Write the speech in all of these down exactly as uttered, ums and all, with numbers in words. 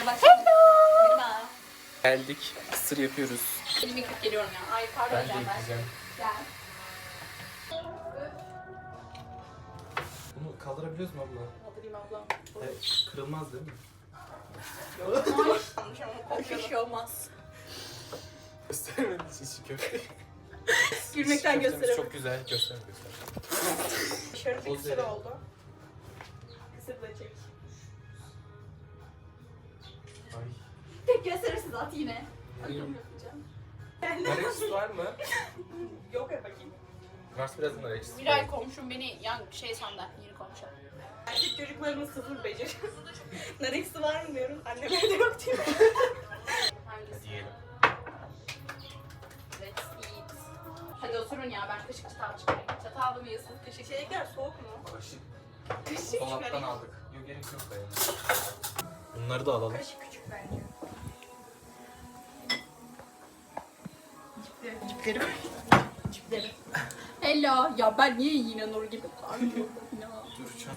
Hello. Geldik. Kısır yapıyoruz. Elimi yıkıp geliyorum ya. Ay pardon Ben de Canber. yıkayacağım. Gel. Bunu kaldırabiliyoruz mu abla? Kaldırayım ablam. Evet, kırılmaz değil mi? Bir şey olmaz. Göstermedi çişi köfte. Gülmekten Köftemiz gösteremedim. çok güzel. Göster göster. Şöyle bir O kısır zeri. oldu. Kısır da çek. Ay. Tek gösterirsiniz at yine. Bakayım. Yapacağım. Narex var mı? Yok ya bakayım. Varsa biraz Narex. Miray komşum beni yan şey sandı. Yeni komşu. Erkek çocuklarımız sıfır beceri. Narex'i var mı diyorum. Annem evde yok diyor. Hangisi? Hadi yiyelim. Let's eat. Hadi oturun ya ben kaşık çatal çıkarayım. Çatal mı yiyorsunuz kaşık? Şeyler soğuk mu? Kaşık. Kaşık Dolaptan çıkarayım. aldık. Yok gerek yok da yani. Bunları da alalım. Kaşık küçük bence. Cipleri. Cipleri koy. Cipleri. Hello. Ya ben niye yine Nur gibi kalmıyorum ya? Duracağım.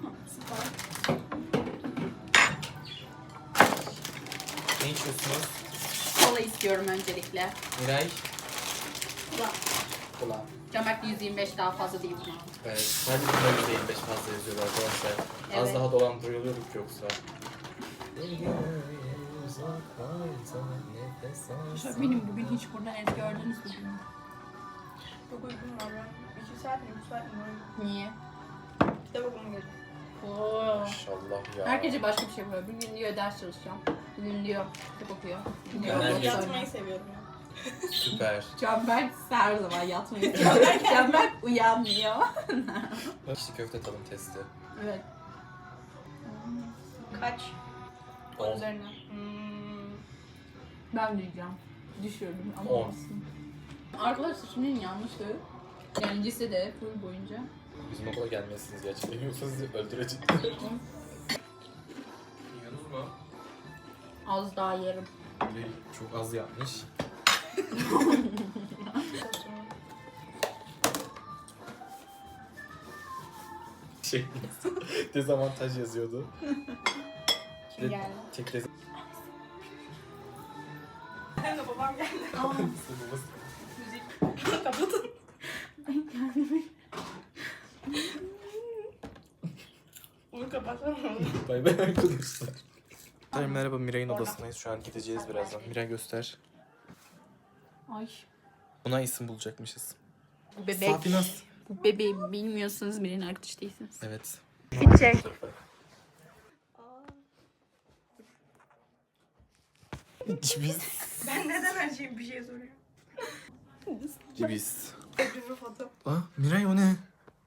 Ne içiyorsunuz? Kola istiyorum öncelikle. Miray. Kola. Kola. Camak yüz yirmi beş daha fazla değil buna. Evet. Sadece burada yüzde yirmi beş fazla yazıyorlar arkadaşlar. Az Evet. daha dolandırılıyorduk yoksa. Benim bugün hiç buradan ez gördünüz mü? Çok uykum var ben. İki saat mi? Üç saat mi? Niye? Kitap okumam gerekiyor. Oo. Maşallah ya. Herkese başka bir şey yapıyor. Bugün diyor ders çalışacağım. Bugün diyor kitap okuyor. Bugün diyor Ben okul herkes- oynuyor. Yatmayı seviyorum ya. Süper. Canberk her zaman yatmayı seviyor. Canberk uyanmıyor. İşte köfte tadım testi. Evet. Kaç? On On. üzerine. Hmm. Ben diyeceğim. Düşürdüm ama On. olsun. Arkadaşlar şimdi yanlıştı. Yani lisede full boyunca. Bizim okula gelmezsiniz gerçekten. Yoksa sizi öldürecek. Yiyorsunuz mu? Az daha yerim. Miray çok az yapmış. Şey, dezavantaj yazıyordu. Kim geldi? Tek dez- Hem de babam geldi. Aa, Müzik. Kapatın. Bunu kapatsana. Bay bay arkadaşlar. Merhaba, Miray'ın odasındayız. Şu an gideceğiz birazdan. Miray göster. ay. Buna isim bulacakmışız. Bu bebek. Safinas. Bu bebeği bilmiyorsanız birinin arkadaş değilsiniz. Evet. Gidecek. Cibiz. Ben neden her şeyi bir şey soruyorum? Cibiz. Bir foto. Aa, Miray o ne?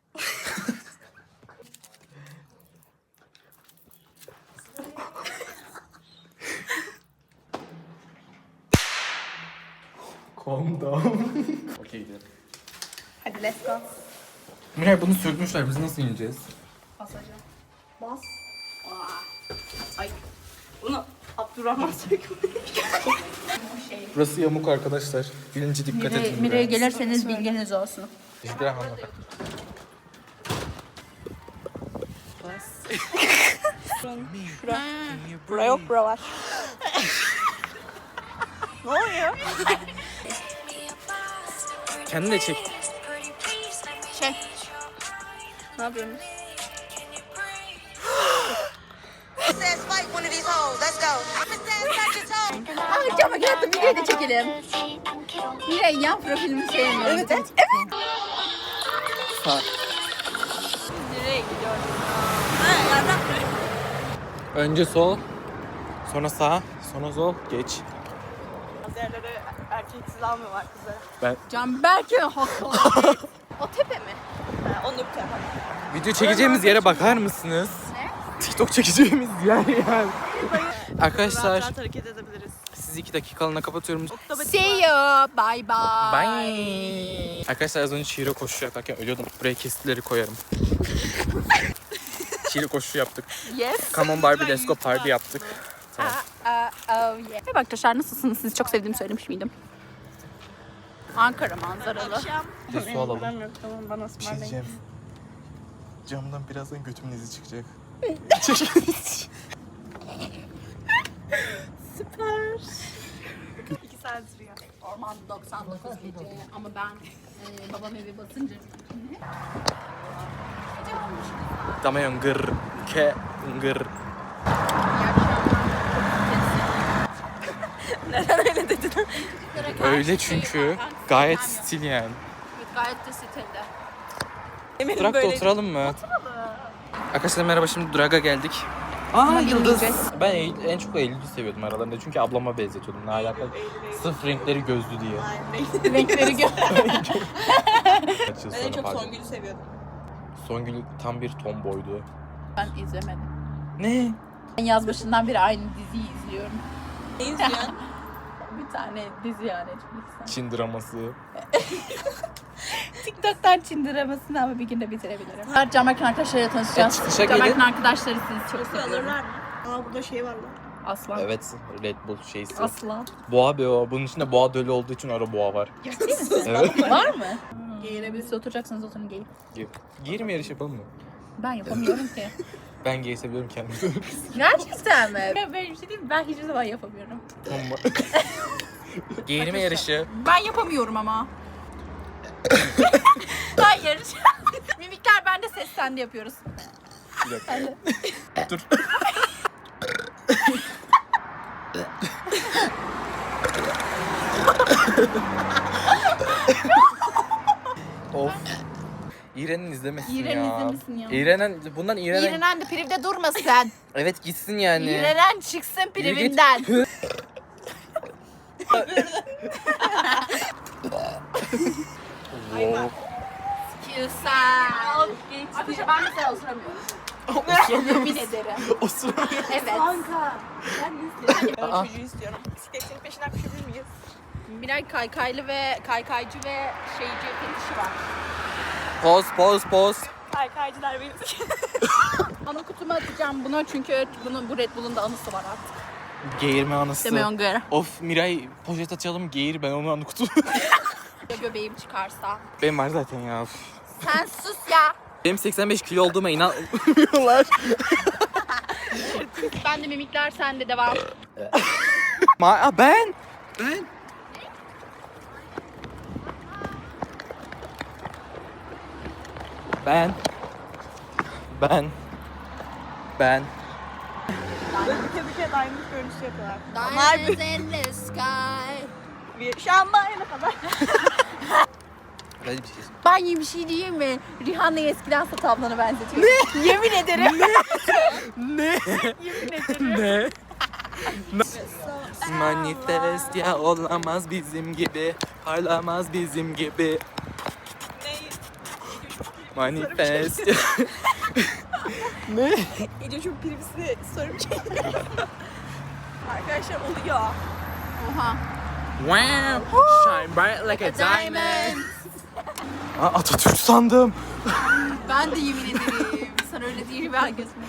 Calm down. Okey gidelim. Hadi let's go. Miray bunu sökmüşler. Biz nasıl ineceğiz? Basacağım. Bas. Aa. Ay. Bunu Abdurrahman sökmüş. Şey. Burası yamuk arkadaşlar. Birinci dikkat edin. Mireye gelirseniz bilginiz olsun. İzdiram hanım. Bura yok, bura var. Ne oluyor? Kendin de çek. Şey. Ne yapıyorsun? Says fight one of these hoes. Let's go. Says touch your toe. Ay Camak hatta videoyu da çekelim. Mirey yan profilimi sevmiyorum. Evet evet. Sağ. Nereye gidiyorsun? Ha, yardım. Önce sol. Sonra sağ. Sonra sol. Geç. Az yerlere erkeksiz almıyorlar kızları. Canberk'e haklı. O tepe mi? Ha, onu bir tarafa. Video çekeceğimiz yere bakar mısınız? Ne? TikTok çekeceğimiz yer yani. Rahat Arkadaşlar rahat hareket edebiliriz. sizi iki dakikalığına kapatıyorum. See you. Bye bye. Bye. Arkadaşlar az önce Şiire koşu yaparken ölüyordum. Buraya kesitleri koyarım. Şiire koşu yaptık. Yes. Come on Barbie let's go party yaptık. Tamam. Aa, oh yeah. Merhaba arkadaşlar nasılsınız? Sizi çok sevdiğimi söylemiş miydim? Ankara manzaralı. Akşam. Bir su alalım. Param yok, tamam bana Bir şey ısmarlayın. diyeceğim. Camdan birazdan götümün izi çıkacak. Süper. İki saat sürüyor. Orman doksan dokuz gece ama ben e, babam evi basınca gece olmuş. Damayan gır ke gır. İyi akşamlar. Neden öyle dedin? Öyle çünkü gayet stil yani. Evet, gayet de stilde. Eminim Durakta böyle. oturalım mı? Arkadaşlar merhaba, şimdi Duraga geldik. Aa Yıldız. Ben Eylül, en çok Eylül'ü seviyordum aralarında çünkü ablama benzetiyordum. Ne alakalı? Sırf renkleri gözlü diye. Aynen. Renkleri gör. Kaç yıl Ben en sonra çok pardon. Songül'ü seviyordum. Songül tam bir tomboydu. Ben izlemedim. Ne? Ben yaz başından beri aynı diziyi izliyorum. Ne izliyorsun? Bir tane dizi yani Netflix'ten. Çin draması. TikTok'tan Çin dramasını ama bir günde bitirebilirim. Camerkan arkadaşlarıyla tanışacağız. Evet, çıkışa Camerkan gelin. arkadaşları sizi çok Yoksa seviyorum. alırlar mı? Aa burada şey var lan. Aslan. Evet, Red Bull şeysi. Aslan. Boğa be o. Bunun içinde boğa dölü olduğu için ara boğa var. Ciddi misin? Evet. Var mı? Giyinebilirse oturacaksınız oturun giyin. Giyir mi yarış yapalım mı? Ben yapamıyorum ki. Ben giyesebiliyorum kendimi. Gerçekten mi? Ben böyle bir şey değil mi? Ben hiçbir zaman yapamıyorum. Tomba. Giyirme yarışı. Ben yapamıyorum ama. Ben yarış. Mimikler bende, ses sende yapıyoruz. Bir dakika. Dur. Of. İğren'in izlemesin İğren'in ya. izlemesin ya. İğrenen, bundan İğrenen... İğrenen de privde durmasın. Evet gitsin yani. İğrenen çıksın Yürü git. privinden. Wow. Güzel. Arkadaşlar ben mesela oturamıyorum. Yemin ederim. Osuramıyor. Evet. Kanka. Ben izliyorum. Ben Aa. o çocuğu istiyorum. Bisikletin peşinden koşabilir miyiz? Miray kaykaylı ve kaykaycı ve şeyci fetişi var. Poz poz poz. Kaykaycılar benim. Ana kutuma atacağım bunu çünkü bunun, bu Red Bull'un da anısı var artık. Geğirme anısı. Demiyorsun göre. Of Miray poşet açalım geğir, ben onu kutu. Ya göbeğim çıkarsa. Benim var zaten ya. Sen sus ya. Benim seksen beş kilo olduğuma inanmıyorlar. Ben de mimikler sende devam. Ma ben. Ben. Ben. Ben. Ben. Böyle büke büke diamond görüntüsü yapıyorlar. Onlar Diamonds in the sky. bir şambaya kadar. Hadi bir şey. Ben iyi bir şey diyeyim mi? Rihanna'yı eskiden Sat ablana benzetiyorum. Ne? Yemin ederim. Ne? Yemin ederim. Ne? Manifest ya olamaz bizim gibi, parlamaz bizim gibi. Manifest. Ne? İyice çok privisi soru bir şey. Arkadaşlar oluyor. Oha. Wow. Shine bright like a diamond. Diamond. Aa, Atatürk sandım. Ben de yemin ederim. Sen öyle değil, ben gözüme.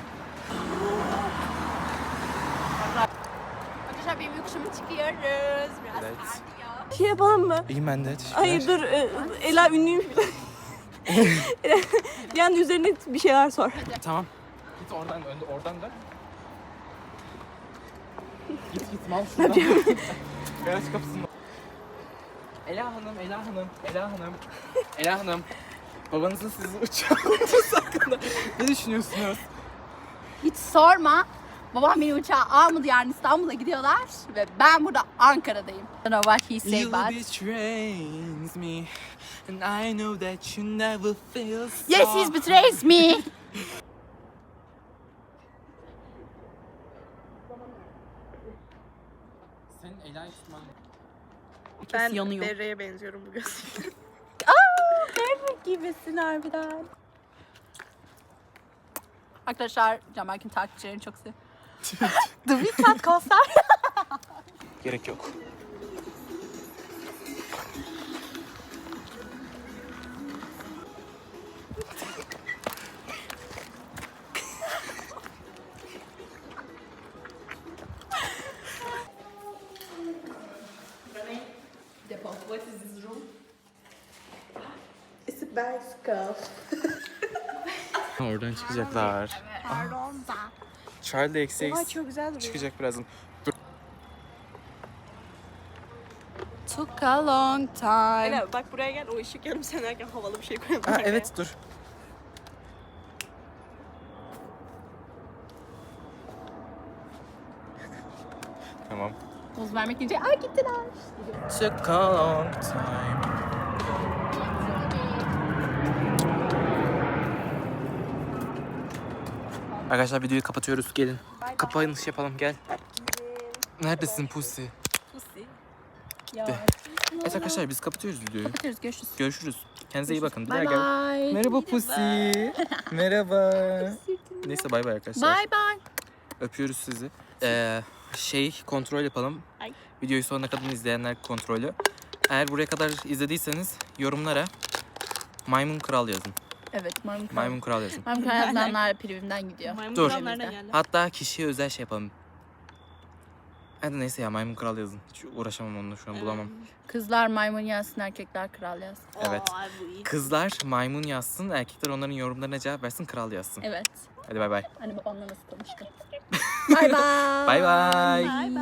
Arkadaşlar benim yokuşuma çıkıyoruz. Biraz Evet. kardiyo. Şey yapalım mı? İyiyim ben de. Hayır dur. e, Ela ünlüymüş. Bir anda üzerine bir şeyler sor. Tamam. Git oradan önde, oradan da. Git git mal şuradan. Garaj kapısında. Ela Hanım, Ela Hanım, Ela Hanım, Ela Hanım. Babanızın sizi uçağa alması hakkında ne düşünüyorsunuz? Hiç sorma. Babam beni uçağa almadı, yarın İstanbul'a gidiyorlar ve ben burada Ankara'dayım. I don't know what he say You but betrays me and I know that you never feel so. yes, he betrays me. Senin Ela'yı tutman. Ben yanıyor. Berre'ye benziyorum bu gözlükle. Aa, Berrak gibisin harbiden. Arkadaşlar Camerkin takipçilerini çok seviyorum. The Weeknd konser. Gerek yok. What is this room? It's a bicycle. Oradan çıkacaklar. Pardon da. Charlie de eksi Oha eksi çok güzel duruyor. çıkacak birazdan. Dur. Took a long time. Ela bak buraya gel, o ışık yanıp sönerken havalı bir şey koyalım. Ha oraya. evet dur. Tamam. Poz vermek için ay gittiler. Took a long time. Arkadaşlar videoyu kapatıyoruz. Gelin. Kapanış yapalım gel. Neredesin Pussy? Pussy. Ya. Evet arkadaşlar biz kapatıyoruz videoyu. Kapatıyoruz, görüşürüz. Görüşürüz. Kendinize iyi bakın. Bir daha Bye gel. bye. Merhaba Pussy. Merhaba. Neyse bay bay arkadaşlar. Bye bye. Öpüyoruz sizi. Ee, şey kontrol yapalım. Ay. Videoyu sonuna kadar izleyenler kontrolü. Eğer buraya kadar izlediyseniz yorumlara Maymun Kral yazın. Evet, maymun kral. Maymun Kral yazın. Maymun kral yazanlar primimden gidiyor. Maymun Dur. kral nereden geldi? Hatta kişiye özel şey yapalım. Hadi neyse ya Maymun Kral yazın. Hiç uğraşamam onunla şu an bulamam. Kızlar maymun yazsın, erkekler kral yazsın. Evet. Oo, ay bu iyi. Kızlar maymun yazsın, erkekler onların yorumlarına cevap versin, kral yazsın. Evet. Hadi bay bay. Hani babamla nasıl konuştum. Bye bye. Bay bay. Bye bye.